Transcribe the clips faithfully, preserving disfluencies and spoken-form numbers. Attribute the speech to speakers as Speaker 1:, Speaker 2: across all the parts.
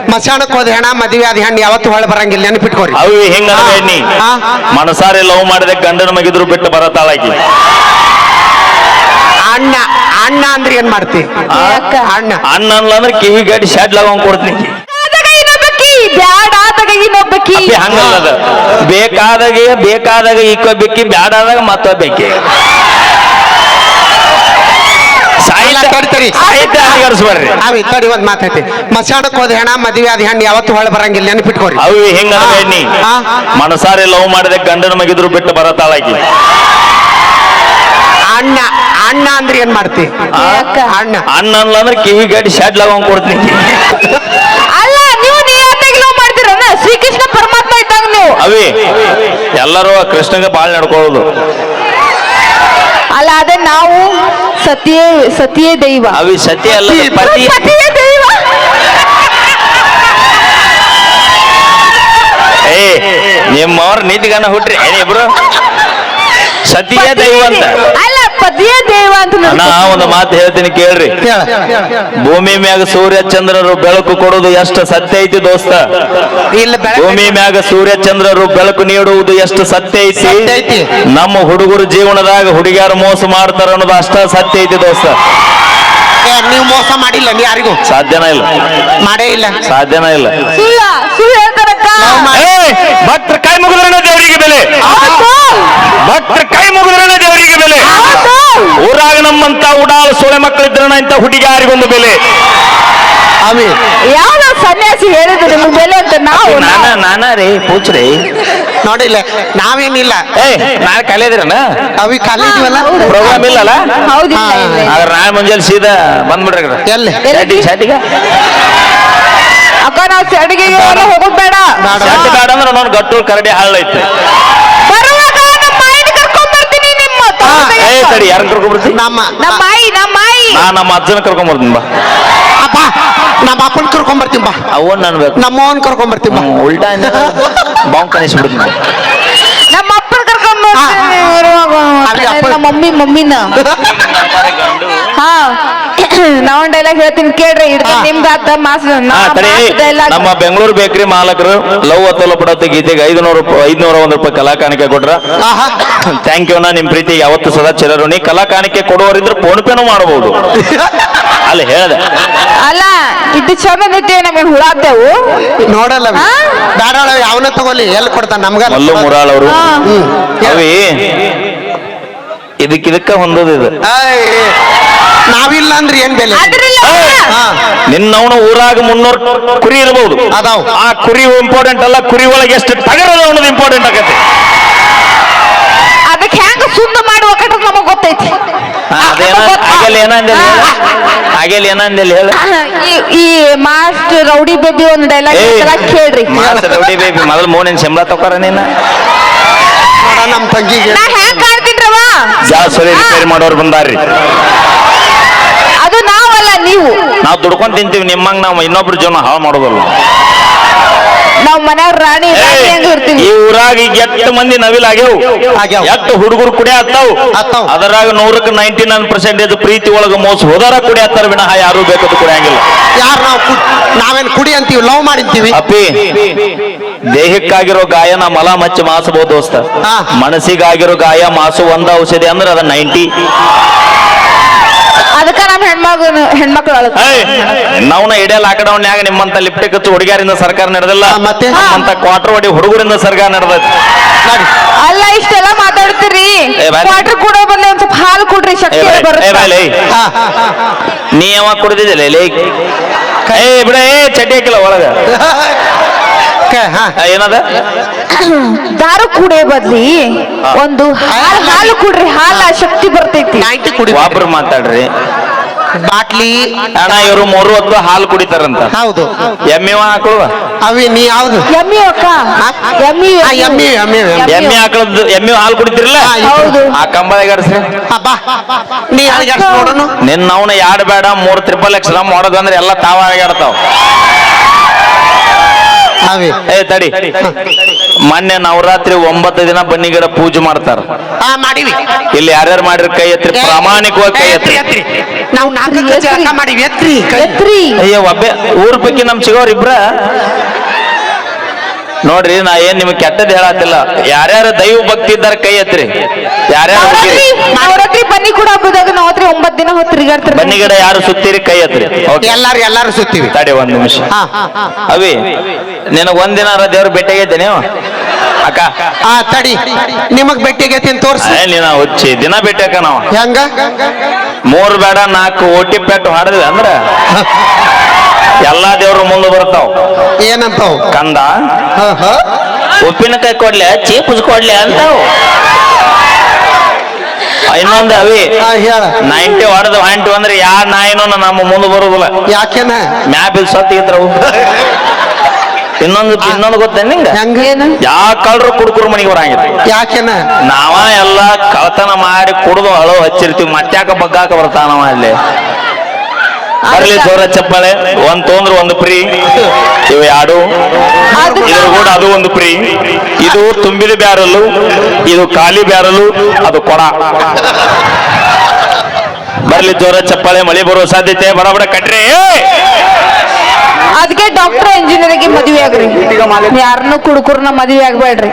Speaker 1: ಮಸಾಣಕ್ ಹೋದ ಹೆಣ ಮದುವೆ ಆದ ಹೆಣ್ಣು ಯಾವತ್ತು ಹೊಳ ಬರಂಗಿಲ್ಲ ನೆನಪಿಟ್ಕೋರಿ.
Speaker 2: ಅವು ಹೆಂಗ ಮನಸಾರೆ ಲವ್ ಮಾಡಿದ ಗಂಡನ ಮಗಿದ್ರು ಬಿಟ್ಟು ಬರತಾಳಾಕಿ.
Speaker 1: ಅಣ್ಣ ಅಣ್ಣ ಅಂದ್ರೆ ಏನ್ ಮಾಡ್ತಿ? ಅಣ್ಣ
Speaker 2: ಅಣ್ಣ ಅನ್ಲ ಅಂದ್ರೆ ಕಿವಿ ಗಾಡಿ ಶಾಡ್ ಲಗಂಗ್ ಕೊಡ್ತೀನಿ. ಹಂಗಲ್ಲದ ಬೇಕಾದಾಗ ಬೇಕಾದಾಗ ಇಕ್ಕೋಬೇಕಿ, ಬ್ಯಾಡಾದಾಗ ಮತ್ತೊಬ್ಬೆಕ್ಕಿ. ಸಾಹಿತ್ಯ
Speaker 1: ಅವಿ ತಡಿ ಒಂದ್ ಮಾತೈತಿ. ಮಸಾಣಕ್ ಹೋದ ಹೆಣ ಮದುವೆ ಆದ ಹೆಣ್ಣು ಯಾವತ್ತು ಹೊಳ ಬರಂಗಿಲ್ಲ ನೆನಪಿಟ್ಕೋರಿ.
Speaker 2: ಅವು ಹೆಂಗ ಮನಸಾರೆ ಲವ್ ಮಾಡಿದ ಗಂಡನ ಮಗಿದ್ರು ಬಿಟ್ಟು ಬರತಾಳಾಕಿ.
Speaker 1: ಅಣ್ಣ ಅಣ್ಣ ಅಂದ್ರೆ ಏನ್ ಮಾಡ್ತಿ? ಅಣ್ಣ
Speaker 2: ಅಣ್ಣ ಅನ್ಲ ಅಂದ್ರೆ ಕಿವಿ ಗಾಡಿ ಶಾಡ್ ಲಗಂಗ್ ಕೊಡ್ತೀನಿ.
Speaker 3: ಅಲ್ಲ ನೀವು ನಿಯತ್ತಾಗಿ ಲವ್ ಮಾಡ್ತೀರಲ್ಲ, ಶ್ರೀಕೃಷ್ಣ ಪರಮಾತ್ಮ ಇದ್ದಾಗ ನೀವು.
Speaker 2: ಅವಿ ಎಲ್ಲರೂ ಕೃಷ್ಣಗೆ ಬಾಳ್ ನಡ್ಕೊಳ್ಳೋದು.
Speaker 3: ಅಲ್ಲ ಅದೇ ನಾವು ಸತಿಯೇ ಸತಿಯೇ ದೈವ.
Speaker 2: ಅವಿ ಸತ್ಯ ಅಲ್ಲ, ಪತಿ
Speaker 3: ಸತಿಯೇ ದೈವ.
Speaker 2: ಏ ನಿಮ್ಮವ್ರ ನೀತಿಗಾನ ಹುಟ್ರಿ ಇಬ್ರು ಸತಿಯೇ ದೈವ ಅಂತ.
Speaker 3: ಅಲ್ಲ ಪತಿಯೇ ದೈವ ಅಂತ.
Speaker 2: ನಾ ಒಂದು ಮಾತು ಹೇಳ್ತೀನಿ ಕೇಳ್ರಿ. ಭೂಮಿ ಮ್ಯಾಗ ಸೂರ್ಯ ಚಂದ್ರರು ಬೆಳಕು ಕೊಡುವುದು ಎಷ್ಟು ಸತ್ಯ ಐತಿ ದೋಸ್ತ? ಭೂಮಿ ಮ್ಯಾಗ ಸೂರ್ಯ ಚಂದ್ರರು ಬೆಳಕು ನೀಡುವುದು ಎಷ್ಟು ಸತ್ಯ ಐತಿ? ನಮ್ಮ ಹುಡುಗರು ಜೀವನದಾಗ ಹುಡುಗಿಯರು ಮೋಸ ಮಾಡ್ತಾರ ಅನ್ನೋದು ಅಷ್ಟ ಸತ್ಯ ಐತಿ ದೋಸ್ತ.
Speaker 1: ನೀವು ಮೋಸ ಮಾಡಿಲ್ಲ ನೀ ಯಾರಿಗೂ?
Speaker 2: ಸಾಧ್ಯನ ಇಲ್ಲ,
Speaker 1: ಮಾಡೇ ಇಲ್ಲ,
Speaker 2: ಸಾಧ್ಯನ ಇಲ್ಲ.
Speaker 3: ಸುಳ್ಳ ಸುಳ್ಳು ಹೇಳ್ತಾರಕ್ಕ.
Speaker 2: ಭಕ್ತರ ಕೈ ಮುಗಿದ್ರನ ದೇವರಿಗೆ ಬೆಲೆ, ಭಕ್ತರ ಕೈ ಮುಗಿದ್ರನ ದೇವರಿಗೆ ಬೆಲೆ. ಊರಾಗ ನಮ್ಮಂತ ಉಡಾಳ ಸೊಳೆ ಮಕ್ಕಳಿದ್ರನ ಇಂತ ಹುಡುಗಿಯಾರಿಗೊಂದು ಬೆಲೆ.
Speaker 3: ಯಾವ ಸನ್ಯಾಸಿ ಹೇಳಿದ್ರು ನಿಮ್ಗೆ ಬೆಲೆ ಅಂತ? ನಾವು
Speaker 2: ನಾನ ನಾನ ರೀ ಪೂಚ್ರಿ
Speaker 1: ನೋಡಿಲ್ಲ, ನಾವೇನಿಲ್ಲ.
Speaker 2: ಏ ನಾಳೆ ಕಾಲೇದಿರನ
Speaker 1: ಅವಿ ಖಾಲಿ ಇದೀವಲ್ಲ,
Speaker 2: ಪ್ರೋಗ್ರಾಮ್ ಇಲ್ಲಲ್ಲ?
Speaker 3: ಹೌದಿಲ್ಲ.
Speaker 2: ಆದ್ರೆ ನಾಳೆ ಮುಂಜಾನೆ ಸೀದಾ ಬಂದ್ಬಿಡ್ರಿ.
Speaker 1: ಎಲ್ಲಿ
Speaker 2: ಶಾಟಿಗೆ ಶಾಟಿಗೆ
Speaker 3: ಅಕ್ಕ ನಾವು ಚಡಿಗೆ ಹೋಗೋದ್ ಬೇಡ.
Speaker 2: ಶಾಟಿ ಬೇಡ ಅಂದ್ರೆ ನಾನು ಗಟ್ಟು ಕರಡಿ ಹಾಳೈತೆ.
Speaker 3: ಬರುವಾಗ ನಮ್ಮ ಮಾಯಿನ ಕರ್ಕೊಂಡ್ ಬರ್ತೀನಿ. ನಿಮ್ಮ
Speaker 2: ಏ ತಡಿ ಯಾರನ್ನ ಕರ್ಕೊಂಡ್ ಬರ್ತೀನಿ?
Speaker 1: ನಮ್ಮ
Speaker 3: ನಮ್ಮ ಮಾಯಿ ನಮ್ಮ ಮಾಯಿ
Speaker 2: ನಾ ನಮ್ಮ ಅಜ್ಜನ ಕರ್ಕೊಂಡ್ ಬರ್ತೀನಿ ಬಾ.
Speaker 1: ಅಪ್ಪ ನಮ್ಮ ಅಪ್ಪನ್ ಕರ್ಕೊಂಡ್ ಬರ್ತೀನಿ ಬಾ.
Speaker 2: ಅವನ್ ನನ್ಬೇಕು
Speaker 1: ನಮ್ಮವನ್ ಕರ್ಕೊಂಡ್ ಬರ್ತೀನಿ ಬಾ.
Speaker 2: ಉಲ್ಟಾ ಬಾಂಬ್ ಕನಿಸ್ಬಿಡ್ತೀನಿ.
Speaker 3: ನಮ್ಮ ಅಪ್ಪನ ಕರ್ಕೊಂಡ್ ಬರ್ತೀನಿ. ನಮ್ಮ ಮಮ್ಮಿ ಮಮ್ಮಿನ ಹಾ ನಾವ್ ಡೈಲಾಗ್ ಹೇಳ್ತೀನಿ ಕೇಳ್ರಿ. ನಿಮ್ದು ಅರ್ಧ ಮಾಸ
Speaker 2: ನಮ್ಮ ಬೆಂಗಳೂರು ಬೇಕರಿ ಮಾಲಕರು ಲವ್ ಅತ್ತಲ ಪಡತ್ತೆ ಗೀತೆಗೆ ಐದುನೂರು ಐದ್ನೂರ ಒಂದ್ ರೂಪಾಯಿ ಕಲಾ ಕಾಣಿಕೆ ಕೊಟ್ರ. Thank you. ನಾ ನಿಮ್ ಪ್ರೀತಿ ಯಾವತ್ತು ಸದಾ ಚಿರಋಣಿ. ಕಲಾ ಕಾಣಿಕೆ ಕೊಡುವರಿದ್ರೆ ಫೋನ್ ಪೇನು ಮಾಡಬಹುದು. ಅಲ್ಲಿ ಹೇಳ್ದೆ
Speaker 3: ಅಲ್ಲ ಇದು ಚಂದ ನಮಗೆ ಹುಳಾತೇವು
Speaker 1: ನೋಡಲ್ಲ. ಬೇಡ ಯಾವನ ತಗೊಳ್ಳಿ, ಎಲ್ಲಿ ಕೊಡ್ತಾನ ನಮ್ಗ?
Speaker 2: ಮಲ್ಲು ಮುರಾಳ್ ಅವರು ಅವಿ ಇದಕ್ಕಿದಕ್ಕ ಹೊಂದೋದು ಇದು.
Speaker 1: ನಾವಿಲ್ಲ ಅಂದ್ರೆ ಏನ್ ಬೆಲೆ?
Speaker 2: ನಿನ್ನವನ ಊರಾಗ ಮುನ್ನೂರು ಕುರಿ ಇರಬಹುದು,
Speaker 1: ಅದಾವ್.
Speaker 2: ಆ ಕುರಿ ಇಂಪಾರ್ಟೆಂಟ್ ಅಲ್ಲ, ಕುರಿ ಒಳಗೆ ಎಷ್ಟು ಟಗರದ ಅನ್ನೋದು ಇಂಪಾರ್ಟೆಂಟ್ ಆಗತ್ತೆ.
Speaker 3: ಅದಕ್ಕೆ ಹೆಂಗ ಸುದ್ದ ಮಾಡುವ ಕಟ್ಟ ನಮಗ್ ಗೊತ್ತೈತಿ.
Speaker 2: ಅದೇನ ಆಗಲ್ಲ ಏನಂದೇಳಿ ಆಗಲ್ಲ ಏನಂದೇಳಿ ಹೇಳ.
Speaker 3: ಈ ಮಾಸ್ಟರ್ ರೌಡಿ ಬೇಬಿ ಒಂದು ಡೈಲಾಗ್ ಕೇಳ್ರಿ.
Speaker 2: ಮಾಸ್ಟರ್ ರೌಡಿ ಬೇಬಿ ಮೊದಲು ಮೂನಿನ ಸಂಬಳ ತಗೋರ ನೀನ.
Speaker 1: ನಮ್ ತಂಗಿಗೆ
Speaker 3: ನಾ ಹೆಂಗ್ ಕಾಣ್ತೀನ್ರವ?
Speaker 2: ಜಾಸ್ತಿ ರಿಪೇರಿ ಮಾಡೋರು ಬಂದಾರ್ರಿ.
Speaker 3: ಅದು ನಾವಲ್ಲ, ನೀವು.
Speaker 2: ನಾವು ದುಡ್ಕೊಂಡ್ ತಿಂತೀವಿ, ನಿಮ್ಮಂಗ್ ನಾವು ಇನ್ನೊಬ್ರು ಜೀವನ ಹಾಳು ಮಾಡೋದಲ್ಲ.
Speaker 3: ನಾವ್ ಮನ್ಯಾಗ ರಾಣಿ ಹೆಂಗ್ ಇರ್ತೀವಿ.
Speaker 2: ಈ ಊರಾಗ ಈಗ ಎಷ್ಟು ಮಂದಿ ನವಿಲ್ ಆಗ್ಯಾವು, ಎಷ್ಟು ಹುಡುಗರು ಕುಡಿ ಹತ್ತಾವು. ಅದರಾಗ ನೂರಕ್ಕೆ ನೈಂಟಿ ನೈನ್ ಪರ್ಸೆಂಟೇಜ್ ಪ್ರೀತಿ ಒಳಗ ಮೋಸ ಹೋದಾರ ಕುಡಿ ಹತ್ತಾರ ವಿನಃ ಯಾರು ಬೇಕದು ಕುಡಿಯಂಗಿಲ್ಲ.
Speaker 1: ಯಾರು ನಾವು ನಾವೇನ್ ಕುಡಿ ಅಂತೀವಿ, ಲವ್ ಮಾಡಿರ್ತೀವಿ.
Speaker 2: ಅಪ್ಪಿ ದೇಹಕ್ಕಾಗಿರೋ ಗಾಯ ನಾ ಮಲ ಮಚ್ಚಿ ಮಾಸಬಹುದು ದೋಸ್ತ. ಮನಸ್ಸಿಗಾಗಿರೋ ಗಾಯ ಮಾಸು ಒಂದ ಔಷಧಿ ಅಂದ್ರೆ ಅದ ನೈಂಟಿ.
Speaker 3: ಅದಕ್ಕ ನಮ್ ಹೆಣ್ಮಗಳು ಹೆಣ್ಮಕ್ಳು
Speaker 2: ನಾವ್ನ ಇಡೇ ಲಾಕ್ಡೌನ್ ಯಾಗ ನಿಮ್ಮಂತ ಲಿಪ್ಟಿಕ್ ಹಚ್ಚು ಹುಡುಗಿಯರಿಂದ ಸರ್ಕಾರ ನಡೆದಿಲ್ಲ,
Speaker 1: ಮತ್ತೆ
Speaker 2: ನಮ್ಮಂತ ಕ್ವಾರ್ಟರ್ ಹೊಡಿ ಹುಡುಗರಿಂದ ಸರ್ಕಾರ ನಡೆದೈತಿ.
Speaker 3: ಅಲ್ಲ ಇಷ್ಟೆಲ್ಲ ಮಾತಾಡ್ತೀರಿ, ಕ್ವಾರ್ಟರ್ ಕೊಡೋ ಬದಲು ಒಂದ್ ಸ್ವಲ್ಪ ಹಾಲು ಕೊಡ್ರಿ, ಶಕ್ತಿ ಬರುತ್ತೆ.
Speaker 2: ನೀ ಯಾವಾಗ ಕುಡಿದಿದ್ದಿಲ್ಲ ಏ ಬಿಡ, ಏ ಚಡ್ಡಿ ಹಾಕಿಲ್ಲ ಒಳಗ ಏನದ
Speaker 3: ದಾರು ಕುಡಿಯೋ ಬದ್ಲಿ ಒಂದು ಹಾಲು ಹಾಲು ಕುಡ್ರಿ, ಹಾಲ ಶಕ್ತಿ ಬರ್ತೈತಿ.
Speaker 2: ಒಬ್ರು ಮಾತಾಡ್ರಿ.
Speaker 1: ಬಾಟ್ಲಿ
Speaker 2: ಅಣ್ಣ ಇವರು ಮೂರು ಹೊತ್ತು ಹಾಲು ಕುಡಿತಾರಂತ.
Speaker 1: ಹೌದು.
Speaker 2: ಎಮ್ಮೆ ಹಾಕುವ
Speaker 1: ಅವಿ ನೀ ಯಾವ್ದು?
Speaker 3: ಎಮ್ಮಿ ಅಕ್ಕ, ಎಮ್ಮಿ
Speaker 1: ಎಮ್ಮಿ ಎಮ್ಮಿ
Speaker 2: ಎಮ್ಮೆ ಹಾಕಳದ್ದು ಎಮ್ಮೆ ಹಾಲು ಕುಡಿತಿರಲ್ಲ,
Speaker 1: ಹೌದು.
Speaker 2: ಆ ಕಂಬ ಎಗರ್ಸ್ರಿ.
Speaker 1: ನೀ ನೋಡೋಣ.
Speaker 2: ನಿನ್ನ ಅವನ ಯಾಡ್ ಬೇಡ ಮೂರ್ ತ್ರಿಪಲ್ ಎಕ್ಸ್ ಮಾಡೋದಂದ್ರೆ ಎಲ್ಲ ತಾವ ಆಗಾಡ್ತಾವ. ಏ ತಡಿ ಮೊನ್ನೆ ನವರಾತ್ರಿ ಒಂಬತ್ತು ದಿನ ಬನ್ನಿ ಗಿಡ ಪೂಜೆ ಮಾಡ್ತಾರ.
Speaker 1: ಹಾ ಮಾಡಿವಿ.
Speaker 2: ಇಲ್ಲಿ ಯಾರ್ಯಾರು ಮಾಡಿರಿ ಕೈ ಎತ್ರಿ, ಪ್ರಾಮಾಣಿಕವಾಗಿ ಕೈ ಎತ್ರಿ.
Speaker 1: ನಾವು ನಾಲ್ಕು ಜಳಕ ಮಾಡಿವಿ, ಎತ್ರಿ ಕೈ.
Speaker 3: ಎತ್ರಿ.
Speaker 2: ಅಯ್ಯೋ ಒಬ್ಬೆ ಊರ್ ಪೈಕಿ ನಮ್ ಸಿಗೋರ್ ಇಬ್ರ ನೋಡ್ರಿ. ನಾ ಏನ್ ನಿಮ್ಗೆ ಕೆಟ್ಟದ್ ಹೇಳತ್ತಿಲ್ಲ. ಯಾರ್ಯಾರು ದೈವ ಭಕ್ತಿ ಇದ್ದಾರೆ ಕೈ ಎತ್ರಿ. ಯಾರ್ಯಾರು
Speaker 3: ನವರಾತ್ರಿ ನವರಾತ್ರಿ ಬನ್ನಿ ಕೂಡ ಹಬ್ಬದಾಗ ನವರಾತ್ರಿ ಒಂಬತ್ ದಿನ ಹೊತ್ತು ತಿರುಗಾಡ್ತಾರೆ.
Speaker 2: ಬನ್ನಿ ಗಿಡ ಯಾರು ಸುತ್ತೀರಿ ಕೈ ಎತ್ರಿ. Okay.
Speaker 1: ಎಲ್ಲಾರು ಎಲ್ಲಾರು ಸುತ್ತೀವಿ.
Speaker 2: ತಡಿ ಒಂದ್ ನಿಮಿಷ.
Speaker 1: ಹಾ
Speaker 2: ಅವಿ ನಿನಗ್ ಒಂದಿನ ದೇವ್ರ ಭೇಟಿಯಾಗೈತೆ ನೀವು ಅಕ್ಕ?
Speaker 1: ಹಾ ತಡಿ, ನಿಮಗ್ ಭೇಟಿಯಾಗೈತಿ ತೋರ್ಸಿ.
Speaker 2: ಏ, ನೀನ ಹುಚ್ಚಿ ದಿನ ಭೇಟಿಯಾಕ ನಾವು
Speaker 1: ಹೆಂಗ?
Speaker 2: ಮೂರ್ ಬೇಡ ನಾಲ್ಕು ಓಟಿ ಪೆಟ್ಟು ಹಾಡಿದ್ವಿ ಅಂದ್ರ ಎಲ್ಲಾ ದೇವ್ರು ಮುಂದೆ ಬರ್ತಾವ.
Speaker 1: ಏನಂತಾವ್?
Speaker 2: ಕಂದ
Speaker 1: ಹಾ ಹಾ
Speaker 2: ಉಪ್ಪಿನಕಾಯಿ ಕೊಡ್ಲೆ, ಚೀಪುಜ್ ಕೊಡ್ಲೆ ಅಂತಾವ್. ಇನ್ನೊಂದು ಅವಿ
Speaker 1: ಹಾ ಹೇಳ.
Speaker 2: ನೈಂಟಿ ಹೊಡೆದು ಹಂಟಿ ಅಂದ್ರೆ ಯಾ ನಾಯಿನೂ ನಮ್ಮ ಮುಂದೆ ಬರುದಿಲ್ಲ.
Speaker 1: ಯಾಕೆನ?
Speaker 2: ಮ್ಯಾಪಿಲ್ ಸತ್ತಿದ್ರವು. ಇನ್ನೊಂದು ಇನ್ನೊಂದು ಗೊತ್ತ ನಿಂಗ?
Speaker 1: ಹೆಂಗ?
Speaker 2: ಯಾ ಕಳ್ರು ಕುಡ್ಕುರು ಮನೆಗೆ ಬರಂಗಿಲ್ಲ.
Speaker 1: ಯಾಕೆನ?
Speaker 2: ನಾವ ಎಲ್ಲ ಕಳತನ ಮಾಡಿ ಕುಡ್ದು ಹಳೋ ಹಚ್ಚಿರ್ತೀವಿ. ಮತ್ತ್ಯಾಕ ಬಗ್ಗಾಕ ಬರ್ತಾನವ ಅಲ್ಲಿ. ಬರ್ಲಿ ಜೋರ ಚಪ್ಪಾಳೆ. ಒಂದ್ ತೊಂದ್ರೆ ಒಂದು ಫ್ರೀ. ಇವು ಎರಡು ಇದ್ರ ಕೂಡ ಅದು ಒಂದು ಫ್ರೀ. ಇದು ತುಂಬಿದ ಬ್ಯಾರಲು, ಇದು ಖಾಲಿ ಬ್ಯಾರಲು, ಅದು ಕೊಡ. ಬರ್ಲಿ ಜೋರ ಚಪ್ಪಾಳೆ. ಮಳೆ ಬರುವ ಸಾಧ್ಯತೆ ಬಡ ಬಡ ಕಟ್ರಿ.
Speaker 3: ಅದಕ್ಕೆ ಡಾಕ್ಟರ್ ಇಂಜಿನಿಯರಿಂಗ್ ಮದುವೆ ಆಗ್ರಿ. ಯಾರನ್ನು ಕುಡುಕರ್ನ ಮದುವೆ ಆಗ್ಬೇಡ್ರಿ.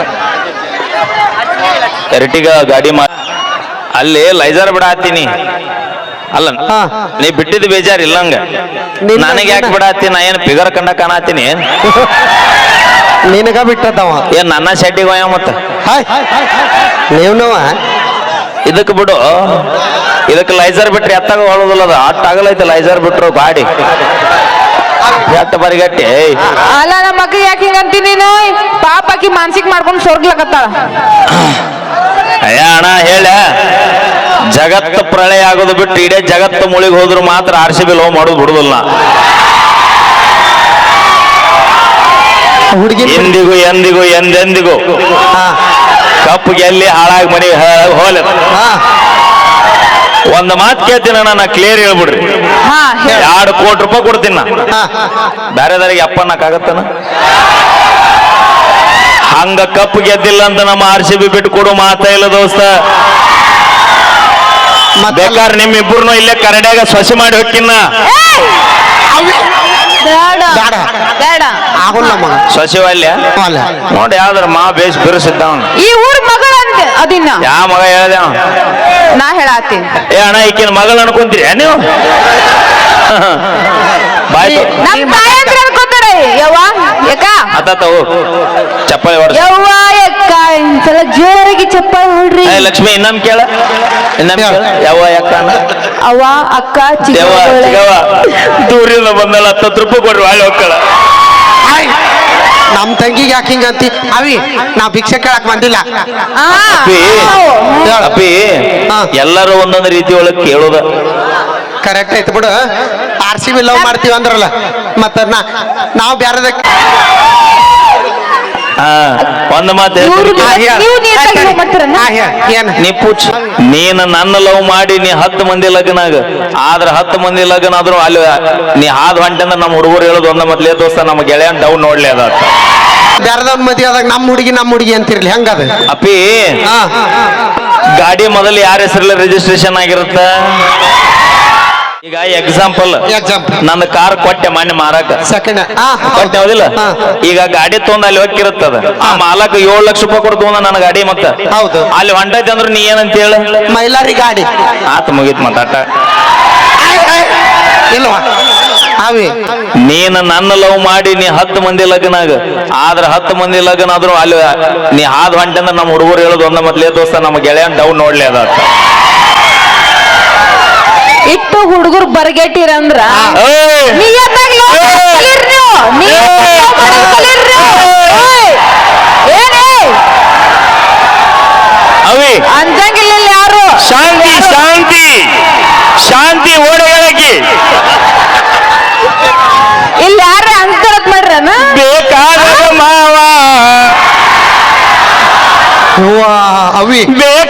Speaker 2: ಎರಟಿಗ ಗಾಡಿ ಮಾ ಅಲ್ಲಿ ಲೈಜರ್ ಬಿಡ ಹತ್ತೀನಿ. ಅಲ್ಲ
Speaker 1: ಹಾ.
Speaker 2: ನೀ ಬಿಟ್ಟಿದ್ದು ಬೇಜಾರ್ ಇಲ್ಲಂಗ.
Speaker 1: ನಿನ್ನ-
Speaker 2: ನನಗೆ ಯಾಕೆ ಬಿಡತ್ತಿ? ನಾ ಏನ್ ಫಿಗರ್ ಕಂಡ ಕಾಣತ್ತೀನಿ ಏನ್?
Speaker 1: ನಿನಗ ಬಿಟ್ಟದವ.
Speaker 2: ಏನ್ ನನ್ನ ಶೆಟ್ಟಿಗೆ ಹೋಯ ಮತ್ತ
Speaker 1: ಹಾಯ್ ನೀವ್ನವ.
Speaker 2: ಇದಕ್ ಬಿಡು. ಇದಕ್ಕೆ ಲೈಸರ್ ಬಿಟ್ರೆ ಎತ್ತಾಗ ಹೊಳೋದಿಲ್ಲ. ಅದು ಅಟ್ಟ ಆಗಲೈತೆ ಲೈಸರ್ ಬಿಟ್ರು ಗಾಡಿ ಎಟ್ಟ ಬರಿಗಟ್ಟಿ.
Speaker 3: ಅಲ್ಲ ನಮ್ಮ ಮಕ್ಳಿಗೆ ಯಾಕೆ ಹಿಂಗಂತಿ ನೀನು? ಪಾಪಾಕಿ ಮಾನಸಿಕ ಮಾಡ್ಕೊಂಡು ಸೊರ್ಗ್ಲಕತ್ತಾಳ.
Speaker 2: ಅಯ್ಯ ಅಣ್ಣ ಹೇಳ, ಜಗತ್ತು ಪ್ರಳಯ ಆಗೋದು ಬಿಟ್ಟು ಇಡೇ ಜಗತ್ತು ಮುಳಿಗೆ ಹೋದ್ರು ಮಾತ್ರ ಆರ್ ಸಿ ಬಿ ಲೋ ಮಾಡೋದು ಬಿಡುದಿಲ್ಲ.
Speaker 1: ಹುಡುಗಿ
Speaker 2: ಎಂದಿಗೂ ಎಂದಿಗೂ ಎಂದೆಂದಿಗೂ
Speaker 1: ಹಾ
Speaker 2: ಕಪ್ಪು ಗೆಲ್ಲಿ ಹಾಳಾಗಿ ಮನೆ ಹೋಲ.
Speaker 1: ಹಾ
Speaker 2: ಒಂದು ಮಾತು ಕೇಳ್ತೀನಿ ಅಣ್ಣ, ನಾ ಕ್ಲಿಯರ್ ಹೇಳ್ಬಿಡ್ರಿ.
Speaker 3: ಹಾ ಹೇಳ.
Speaker 2: ಎರಡು ಕೋಟಿ ರೂಪಾಯಿ ಕೊಡ್ತೀನಿ ನಾ.
Speaker 1: ಹಾ
Speaker 2: ಬೇರೆದಾರಿಗೆ ಅಪ್ಪನ್ನಕ್ಕಾಗತ್ತನ? ಹಂಗ ಕಪ್ಪು ಗೆದ್ದಿಲ್ಲ ಅಂತ ನಮ್ಮ ಆರ್ ಸಿ ಬಿ ಬಿಟ್ಟು ಕೊಡು ಮಾತಾ ಇಲ್ಲ ದೋಸ್ತ. ಬೇಕಾದ್ರೆ ನಿಮ್ಮಿಬ್ಬರನ್ನು ಇಲ್ಲೇ ಕರಡ್ಯಾಗ ಸೊಸೆ ಮಾಡಿ ಹೊಕ್ಕಿನ.
Speaker 3: ಬೇಡ
Speaker 1: ಬೇಡ.
Speaker 3: ಬೇಡ.
Speaker 1: ಆಗುಲ್ಲ ಮಗ.
Speaker 2: ಸೊಸೆ ಅಲ್ಯ
Speaker 1: ಅಲ್ಲ.
Speaker 2: ನೋಡಿ ಯಾವ್ದಾರ ಮಾ ಬೇಸ್ ಬಿರುಸಿದ್ದ ಅವ್ನು.
Speaker 3: ಈ ಊರ್ ಮಗಳ ಅಂದೆ ಅದಿನ್ನ
Speaker 2: ಯಾವ ಮಗ ಹೇಳ್ದೆ ಅವ?
Speaker 3: ನಾ ಹೇಳತ್ತೀನಿ.
Speaker 2: ಏ ಅಣ್ಣ ಈಕಿನ ಮಗಳು ಅನ್ಕೊಂತೀರಿ ನೀವು? ಬಾಯ್
Speaker 3: ನಮ್ ತಾಯಿ ಅಂದ್ರೆ ಅನ್ಕೋತಾರೆ. ಯವ್ವ ಯಾಕ
Speaker 2: ಅತ್ತಾತವು ಚಪ್ಪಾಳಿ ಹೊಡ್ಸ.
Speaker 3: ಯವ್ವ ಯಾಕ ಒಂದ್ಸಲ ಜೋರಾಗಿ ಚಪ್ಪಾಳೆ ಹೊಡ್ರಿ.
Speaker 2: ಏ ಲಕ್ಷ್ಮಿ ಇನ್ನೊಮ್ ಕೇಳ, ಇನ್ನೊಮ್ ಕೇಳ. ಯಾವ ಯಾಕ
Speaker 3: ಅವ್ವ ಅಕ್ಕ
Speaker 2: ದೇವ
Speaker 3: ಚಿಕ್ಕ
Speaker 2: ಚಿಗವ ದೂರಿಂದ ಬಂದಲ್ಲ ಹತ್ತತ್ತು ರೂಪಾಯಿ ಕೊಡ್ರಿ ಒಳ್ಳೆ ಹೋಗ್ಕಳ.
Speaker 1: ಹಾಯ್ ನಮ್ ತಂಗಿಗೆ ಯಾಕೆ ಹಿಂಗಂತಿ? ಅವಿ ನಾ ಭಿಕ್ಷೆ ಕೇಳಕ್ ಬಂದಿಲ್ಲ.
Speaker 2: ಅಪ್ಪಿ ಅಪ್ಪಿ
Speaker 1: ಹಾ.
Speaker 2: ಎಲ್ಲರೂ ಒಂದೊಂದು ರೀತಿ ಒಳಗೆ ಕೇಳೋದ
Speaker 1: ಕರೆಕ್ಟ್ ಐತಿ ಬಿಡು. ಆರ್ ಸಿ ಬಿ ಲವ್ ಮಾಡ್ತೀವಿ ಅಂದ್ರಲ್ಲ, ಮತ್ತ ನಾ ನಾವು ಬ್ಯಾರದ
Speaker 2: ಹಾ ಒಂದು ಮಾತು
Speaker 3: ಇವ್ರು
Speaker 2: ಹೇಳ್ತೀನಿ ಕೇಳು.
Speaker 3: ನೀವು- ನೀವು ನೀಟಾಗಿ love ಮಾಡ್ತೀರನ್ನ?
Speaker 1: ಏನ್
Speaker 2: ನೀ ಪುಚ್ ನೀನು ನನ್ನ ಲವ್ ಮಾಡಿ ನೀ ಹತ್ತು ಮಂದಿ ಲಗ್ನಾಗ ಆದ್ರ ಹತ್ತು ಮಂದಿ ಲಗ್ನ ಆದ್ರೂ ಅಲ್ಲಿ ನೀ ಹಾದ್ ಹೊಂಟೆ ಅಂದ್ರೆ ನಮ್ಮ ಹುಡುಗರು ಹೇಳೋದು ಒಂದ ಮೊದ್ಲೇ ದೋಸ್ತ ನಮ್ಮ ಗೆಳೆಯನ್ ಡೌನ್ ನೋಡ್ಲಿ ಅದ
Speaker 1: ಬ್ಯಾರದವ್ನ ಮದ್ವೆ ಆದಾಗ ನಮ್ಮ ಹುಡುಗಿ ನಮ್ಮ ಹುಡುಗಿ ಅಂತಿರ್ಲಿ ಹೆಂಗದ?
Speaker 2: ಅಪ್ಪಿ
Speaker 1: ಹಾ
Speaker 2: ಗಾಡಿ ಮೊದಲು ಯಾರ ಹೆಸರಲ್ಲಿ ರಿಜಿಸ್ಟ್ರೇಷನ್ ಆಗಿರುತ್ತ? ಈಗ ಎಕ್ಸಾಂಪಲ್
Speaker 1: Example.
Speaker 2: ನನ್ನ ಕಾರ್ ಕೊಟ್ಟೆ ಮೊನ್ನೆ ಮಾರಾಕ
Speaker 1: ಸೆಕೆಂಡ್
Speaker 2: ಕೊಟ್ಟೆ ಹೌದಿಲ್ಲ?
Speaker 1: ಹಾ.
Speaker 2: ಈಗ ಗಾಡಿ ತೊಗೊಂಡ್ ಅಲ್ಲಿ ಹೋಗಿರುತ್ತದ. ಆ ಮಾಲಕ ಏಳು ಲಕ್ಷ ರೂಪಾಯಿ ಕೊಟ್ಟು ತೊಗೊಂಡ ನನ್ನ ಗಾಡಿ ಮತ್ತ
Speaker 1: ಹೌದು.
Speaker 2: ಅಲ್ಲಿ ಹೊಂಟೈತೆ ಅಂದ್ರೆ ನೀ ಏನಂತ ಹೇಳ?
Speaker 1: ಮೈಲಾರಿ ಗಾಡಿ
Speaker 2: ಆತ ಮುಗೀತ್ ಮತ್ತಾಟ.
Speaker 1: ಇಲ್ವಾ ಅವಿ
Speaker 2: ನೀನು ನನ್ನ ಲವ್ ಮಾಡಿ ನೀ ಹತ್ತು ಮಂದಿ ಲಗ್ನಾಗ ಆದ್ರ ಹತ್ತು ಮಂದಿ ಲಗ್ನ ಆದ್ರೂ ಅಲ್ಲಿ ನೀ ಹಾದ್ ಹೊಂಟೆ ಅಂದ್ರೆ ನಮ್ಮ ಹುಡುಗರು ಹೇಳೋದು ಒಂದ ಮೊದ್ಲೇ ದೋಸ್ತ ನಮ್ಮ ಗೆಳೆಯನ್ ಡೌನ್ ನೋಡ್ಲಿ ಅದ
Speaker 3: ಇಟ್ಟು ಹುಡುಗರು ಬರ್ಗೆಟ್ಟಿರಂದ್ರ
Speaker 2: ಏಯ್!
Speaker 3: ನಿಯತ್ತಾಗಿ love ಮಾಡೋದ್ ಕಲೀರಿ ನೀವು. ನಿಯತ್ತಾಗಿ love ಮಾಡೋದ್ ಕಲೀರಿ ನೀವು. ಓಯ್! ಏನೇ
Speaker 2: ಅವಿ
Speaker 3: ಅಂಜಂಗಿಲ್ಲ ಇಲ್ಲಿ ಯಾರು.
Speaker 2: ಶಾಂತಿ ಶಾಂತಿ ಶಾಂತಿ ಓಡಗಳಕ್ಕೆ
Speaker 3: ಇಲ್ಲಿ ಯಾರೇ ಅಂತಾರದ್ ಮಾಡ್ರನ?
Speaker 2: ಬೇಕಾದ ಮಾವ
Speaker 1: ಅವ್ವಾ, ಅವಿ
Speaker 2: ಬೇ